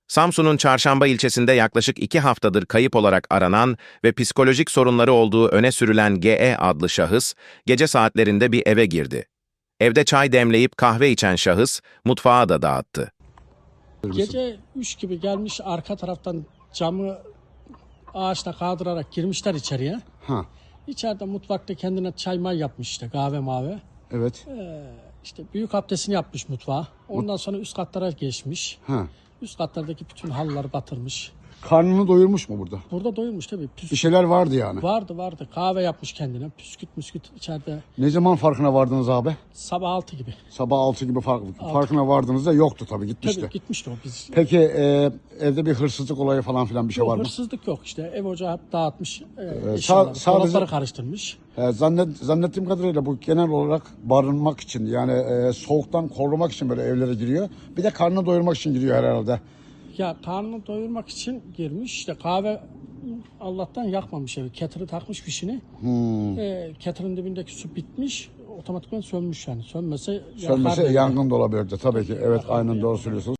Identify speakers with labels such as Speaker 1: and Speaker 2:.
Speaker 1: Samsun'un Çarşamba ilçesinde yaklaşık 2 haftadır kayıp olarak aranan ve psikolojik sorunları olduğu öne sürülen GE adlı şahıs, gece saatlerinde bir eve girdi. Evde çay demleyip kahve içen şahıs, mutfağa da dağıttı.
Speaker 2: Gece 3 gibi gelmiş, arka taraftan camı ağaçla kaldırarak girmişler içeriye.
Speaker 3: Ha,
Speaker 2: İçeride mutfakta kendine çay may yapmış, işte kahve mavi.
Speaker 3: evet.
Speaker 2: İşte büyük abdestini yapmış mutfağa. Ondan sonra üst katlara geçmiş.
Speaker 3: Ha.
Speaker 2: Üst katlardaki bütün halıları batırmış.
Speaker 3: Karnını doyurmuş mu burada?
Speaker 2: Burada doyurmuş tabii.
Speaker 3: Bir şeyler vardı yani.
Speaker 2: Vardı. Kahve yapmış kendine. Püsküt içeride.
Speaker 3: Ne zaman farkına vardınız abi?
Speaker 2: Sabah 6 gibi.
Speaker 3: Sabah 6 gibi farkına vardığınızda yoktu tabii, gitmişti.
Speaker 2: Tabii gitmişti o biz.
Speaker 3: Peki evde bir hırsızlık olayı falan filan bir şey
Speaker 2: Yok,
Speaker 3: var mı?
Speaker 2: hırsızlık yok işte. Ev ocağı hep dağıtmış.
Speaker 3: sadece-
Speaker 2: Dolapları karıştırmış.
Speaker 3: Zannettiğim kadarıyla bu genel olarak barınmak için, yani soğuktan korumak için böyle evlere giriyor. Bir de karnını doyurmak için giriyor herhalde.
Speaker 2: Ya karnını doyurmak için girmiş. İşte kahve Allah'tan yakmamış evi. Kettle'ı takmış fişini. Kettle'ın dibindeki su bitmiş. Otomatikman sönmüş yani. Sönmese
Speaker 3: Sönmese
Speaker 2: yakar.
Speaker 3: yangın da olabilirdi tabii ki. Evet, aynen doğru söylüyorsunuz.